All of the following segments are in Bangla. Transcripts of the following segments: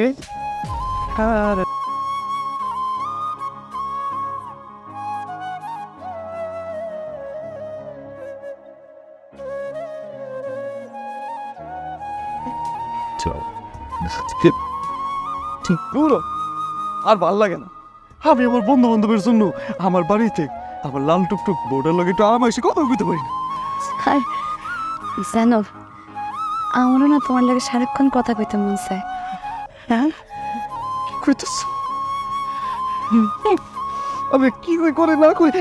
ঠিক পুরো আর ভাল লাগে না। আমি আমার বন্ধু বান্ধবের জন্য আমার বাড়িতে আমার লাল টুকটুক বোর্ডের লগে একটু আরাম এসে কথা বলতে পারি না। আর জানো, আমারও না তোমার লাগে সারাক্ষণ কথা কইতে মন চায়। হ্যাঁ কি কইতেছ? আমি কি করে না কই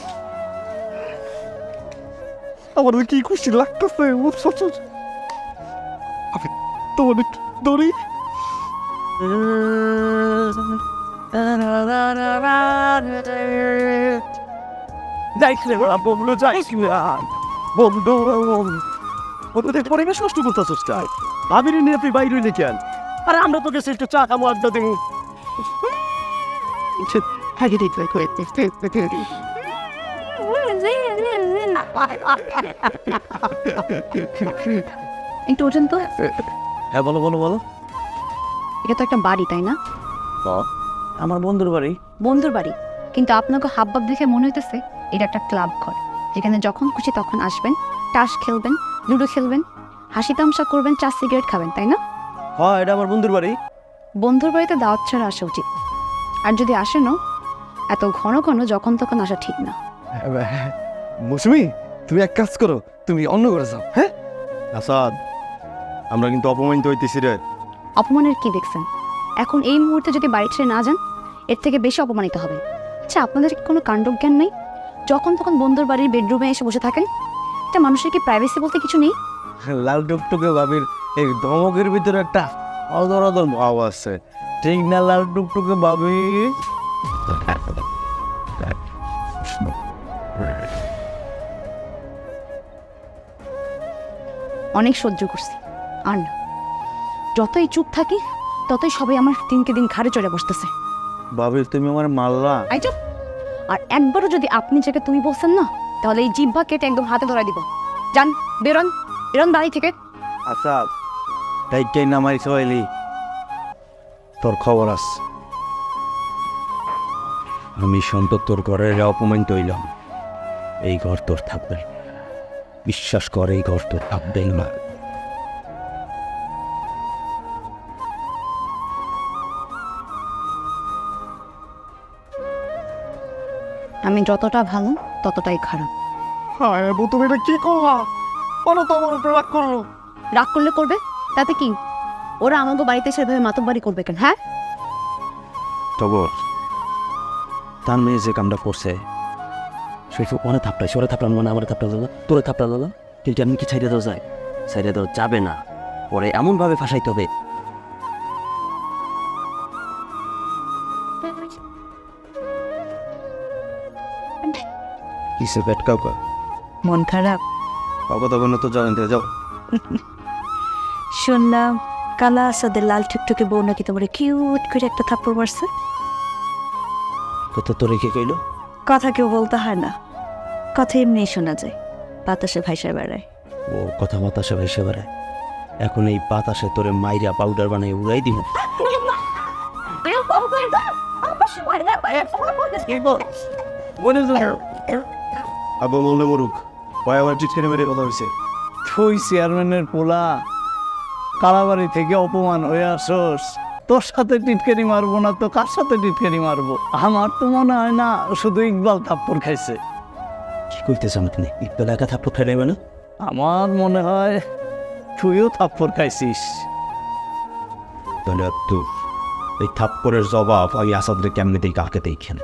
আমার কি খুশি লাগতেছে। আমি তোমার একটু ধরি। যাইছিলে বন্ধু, যাইছিলে বন্ধু বন্ধুদের পরিবেশ নষ্ট করতেছিস। চাই আমি নিয়ে তুই বাইরে নিয়ে কেন? আরে আমরা তো গেছি একটু চা খাবো, আড্ডা দেবো। একটু ওঠেন তো। হ্যাঁ বলো বলো বলো। এটা তো একটা বাড়ি, তাই না? আমার বন্ধুর বাড়ি। বন্ধুর বাড়ি, কিন্তু আপনাকে হাবভাব দেখে মনে হইতেছে এটা একটা ক্লাব ঘর, যেখানে যখন খুশি তখন আসবেন, তাস খেলবেন, লুডো খেলবেন, হাসি তামসা করবেন, চা সিগারেট খাবেন, তাই না? হ্যাঁ এটা আমার বন্ধুর বাড়ি। বন্ধুর বাড়িতে দাওয়াত ছাড়া আসা উচিত, আর যদি আসেনও এত ঘন ঘন যখন তখন আসা ঠিক না। মৌসুমি, তুমি এক কাজ করো, তুমি অন্য করে যাও। হ্যাঁ আসাদ, আমরা কিন্তু অপমানিত হইতেছি রে। অপমানের কি দেখছেন? এখন এই মুহূর্তে যদি বাড়ি ছেড়ে না যান, এর থেকে বেশি অপমানিত হবে। আচ্ছা, আপনাদের কি কোনো কাণ্ডজ্ঞান নেই? যখন তখন বন্ধুর বাড়ির বেডরুমে এসে বসে থাকেন। একটা মানুষের কি প্রাইভেসি বলতে কিছু নেই? লাল টুকটুকে ভাবির এই ধমকের ভিতরে একটা অদর অদর ভাব আছে, ঠিক না লাল টুকটুকে ভাবি? অনেক সহ্য করছি, আর না। যতই চুপ থাকি ততই সবাই আমার দিনকে দিন ঘাড়ে চড়ে বসতেছে। ভাবি তুমি আমার মারলা। আই চুপ! আর একবারও যদি আপনি যাকে তুমি বলছেন না, তাহলে এই জিহ্বা কেটে একদম হাতে ধরাই দিব। যান, বেরোন, বেরোন বাড়ি থেকে। আসাদ, তাইটাই নামাই সবাইলি, তোর খবর আস। আমি সন্তোষ তোর ঘরের অপমানিত হইলাম, এই ঘর তোর থাকবে। বিশ্বাস কর, এই ঘর তোর থাকবেই না। আমি যতটা ভালো ততটাই খারাপ। হ্যাঁ তুমি এটা কি করলা? বলো তো আমার উপরে রাগ করলো। রাগ করলে করবে, তাতে কি? ওরা আমাকে বাড়িতে সেভাবে মাতব্বারি করবে কেন? হ্যাঁ, টগর, তার মেয়ে যে কামটা করছে, সে অনেক থাপড়াইছে। ওরা থাপড়ান মানে আমার থাপড়া দাদা, তোরে থাপড়া দাদা, কিন্তু আমি কি ছাইড়ে দেওয়া যায়? ছাইড়ে দেওয়া যাবে না, পরে এমনভাবে ফাঁসাইতে হবে। কিসে পেট কাউকা মন খারাপ? কাউকা তখন তো জানেন, যাও। শুনলাম কালা আসাদের লাল টুকটুকে বউ নাকি তোমার কিউট করে একটা থাপ্পড় মারছে। কত তোরে কে কইল? কথা কেউ বলতে হয় না, কথা এমনি শোনা যায়, বাতাসে ভাইসা বেড়ায়। ও কথা বাতাসে ভেসে বেড়ায়। এখন এই বাতাসে তোরে মাইরা পাউডার বানিয়ে উড়াই দিব। আবু বললে মরুক, ভাই আমার চিৎকারে মেরে কথা হয়েছে। তুই চেয়ারম্যানের পোলা, কালাবাড়ি থেকে অপমান হয়ে আসোস, তোর সাথে টিটকারি মারবো না তো কার সাথে টিটকারি মারবো? আমার তো মনে হয় না শুধু ইকবাল থাপ্পড় খাইছে। কি করতেছ আপনি? ইকবাল একা থাপ্পড় খাই নেবে না? আমার মনে হয় তুইও থাপ্পড় খাইছিস। তাহলে তো এই থাপ্পড়ের জবাব আমি আসাদরে কেমনে দিই, কাকে দেখেন?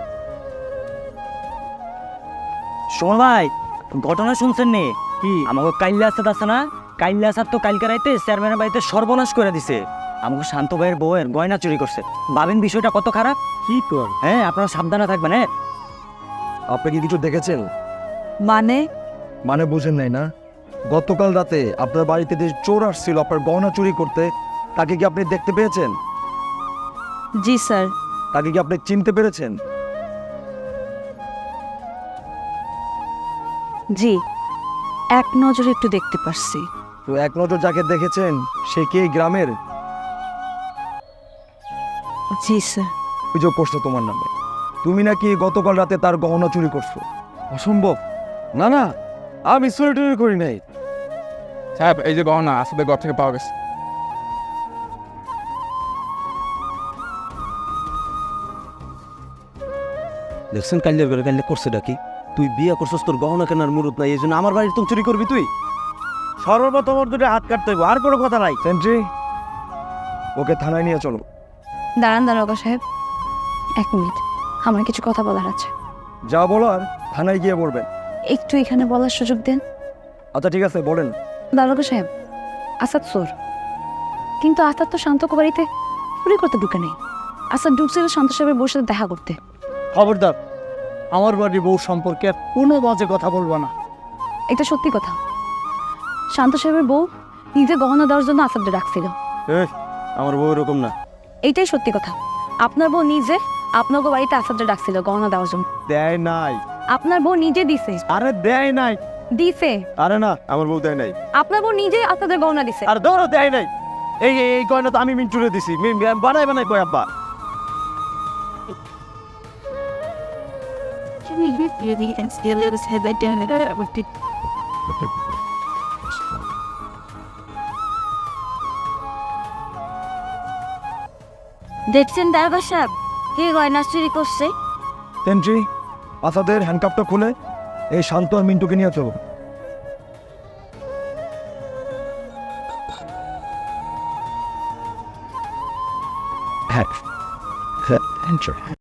শোন ভাই, ঘটনা শুনছেন নি? কি আমাকে কাইল্লা আসাদ আছে না, কাইল্লা আসাদ তো কালকে রাইতে চেয়ারম্যানের বাড়িতে সর্বনাশ করে দিছে। আমাকে শান্ত ভাইয়ের বউয়ের গয়না চুরি করছে। ভাবেন বিষয়টা কত খারাপ। কি কর? হ্যাঁ, আপনারা সাবধানে থাকবেন। হ্যাঁ, আপনি কি কিছু দেখেছেন? মানে? মানে বুঝেন নাই না? গতকাল রাতে আপনার বাড়িতে যে চোর আসছিল আপনার গহনা চুরি করতে, তাকে কি আপনি দেখতে পেয়েছেন? জি স্যার। তাকে কি আপনি চিনতে পেরেছেন? জি, এক নজরে একটু দেখতে পারছি। তো এক নজর যাকে দেখেছেন সে কি এই গ্রামের? জি স্যার। অভিযোগ করছো তোমার নামে। তুমি নাকি গতকাল রাতে তার গহনা চুরি করছো। অসম্ভব। না না, আমি চুরি টুরি করি নাই। সাহেব, এই যে গহনা আসাদের ঘর থেকে পাওয়া গেছে। দেখছেন কাল্লা করে কাল্লা করছে ডাকি, তুই বিয়ে করছস, তোর গহনা কেনার মুরত নাই, এই জন্য আমার বাড়ির তুমি চুরি করবি তুই? সর্বপ্রথম ওর দুটো হাত কাটতে হইব, আর কোনো কথা নাই। সেন্ট্রি, ওকে থানায় নিয়ে চলো। দাঁড়ান দারোগা সাহেব, 1 মিনিট, আমার কিছু কথা বলার আছে। যা বলার থানায় গিয়ে বলবেন। একটু এখানে বলার সুযোগ দেন। আচ্ছা ঠিক আছে, বলেন। দারোগা সাহেব, আসাদ চোর, কিন্তু আসাদ তো শান্তকে বাড়িতে চুরি করতে ঢুকে নেই। আসাদ ঢুকছিল শান্ত সাহেবের বউর সাথে দেখা করতে। খবরদার, আমার বাড়ির বউ সম্পর্কে আর কোনো বাজে কথা বলবো না। এটা সত্যি কথা, শান্ত সাহেবের বউ নিজে গহনা দেওয়ার জন্য আসাদকে ডাকছিল। এই, আমার বউ এরকম না। এইটাই সত্যি কথা, আপনার বউ নিজে আপনাকে বাড়িতে আসাদকে ডাকছিল গহনা দেওয়ার জন্য। দেয় নাই। আপনার বউ নিজে দিছে। আরে দেয় নাই। দিছে। আরে না, আমার বউ দেয় নাই। আপনার বউ নিজে আসাদের গহনা দিছে। আর ধরো দেয় নাই। এই গয়না তো আমি মিন্টুরে দিছি, বানাই বানাই কয় আব্বা। দেখছেন দারোগা সাহেব, কে গয়না চুরি করছে? সেন্ট্রি, আসাদের হ্যান্ডকাপটা খুলে এই শান্ত আর মিন্টুকে নিয়ে চলো। হ্যাঁ,